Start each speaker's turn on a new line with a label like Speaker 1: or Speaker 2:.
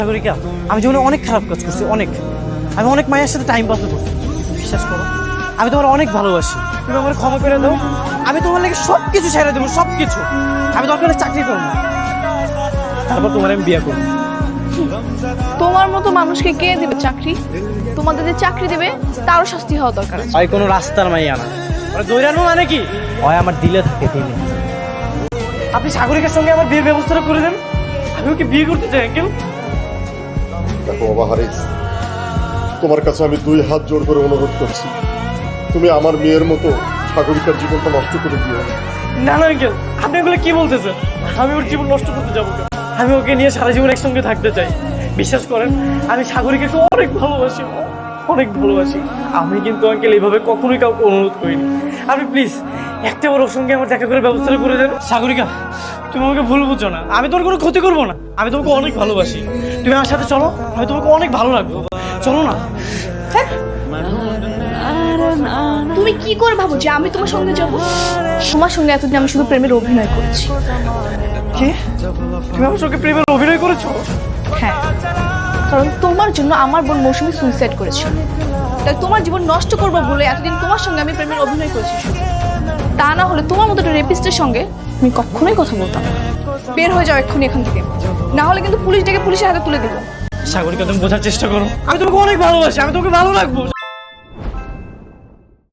Speaker 1: সাগরিকা, আমি জীবনে অনেক খারাপ কাজ করছি, আমি অনেক মায়ের সাথে টাইম পাস করছি। বিশ্বাস করো, আমি তোমার অনেক ভালোবাসি। তুমি আমার ক্ষমা করে দাও। আমি তোমার লাগে সবকিছু ছেড়ে দেবো, সবকিছু। আমি দরকার হলে চাকরি করবো, তারপর তোমার আমি বিয়ে করবো।
Speaker 2: তোমার মতো মানুষকে কে দেবে চাকরি? তোমাদের যে চাকরি দেবে তারও শাস্তি হওয়া দরকার আছে।
Speaker 1: হয় কোনো রাস্তার মাইয়া না, দৈরানো মানে কি হয় আমার দিলে থাকে দিলে। আপনি সাগরিকার সঙ্গে আমার বিয়ের ব্যবস্থাটা করে দেন, আমি ওকে বিয়ে করতে চাই। কেউ
Speaker 3: দেখো বাবা হারিস, তোমার কাছে আমি 2 হাত জোর করে অনুরোধ করছি, তুমি আমার মেয়ের মতো সাগরিকার জীবনটা নষ্ট করে দিও না।
Speaker 1: না না আঙ্কেল, আপনি এগুলো কি বলতেছেন? আমি ওর জীবন নষ্ট করতে যাবো কেন? আমি ওকে নিয়ে সারা জীবন একসঙ্গে থাকতে চাই। বিশ্বাস করেন, আমি সাগরিকাকে অনেক ভালোবাসি, অনেক ভালোবাসি। আমি কিন্তু আঙ্কেল এইভাবে কখনোই কাউকে অনুরোধ করিনি। আপনি প্লিজ একটা ওর সঙ্গে আমার দেখা করে ব্যবস্থাটা করে দেন। সাগরিকা, তুমি আমাকে ভুল বুঝছো না, আমি তোমার কোনো ক্ষতি করবো না। আমি তোমাকে অনেক ভালোবাসি, তুমি আমার সাথে চলো, আমি তোমাকে অনেক ভালো রাখবো। চলো না।
Speaker 2: তুমি কি করে ভাবো যে আমি তোমার সঙ্গে যাবো? তোমার সঙ্গে এতদিন আমি শুধু প্রেমের অভিনয় করেছি।
Speaker 1: কি? তুমি আমার সঙ্গে প্রেমের অভিনয় করেছো?
Speaker 2: হ্যাঁ, কারণ তোমার জন্য আমার বোন মৌসুমী সুইসাইড করেছিল। তাই তোমার জীবন নষ্ট করবো বলে এতদিন তোমার সঙ্গে আমি প্রেমের অভিনয় করেছি শুধু। তা না হলে তোমার মতো একটা রেপিস্টের সঙ্গে আমি কখনোই কথা বলতাম না। বের হয়ে যাও এক্ষুনি এখান থেকে, না হলে কিন্তু পুলিশ ডেকে পুলিশের হাতে তুলে দেবো।
Speaker 1: সাগরিকা, তুমি বোঝার চেষ্টা করো, আমি তোমাকে অনেক ভালোবাসি, আমি তোমাকে ভালো রাখবো।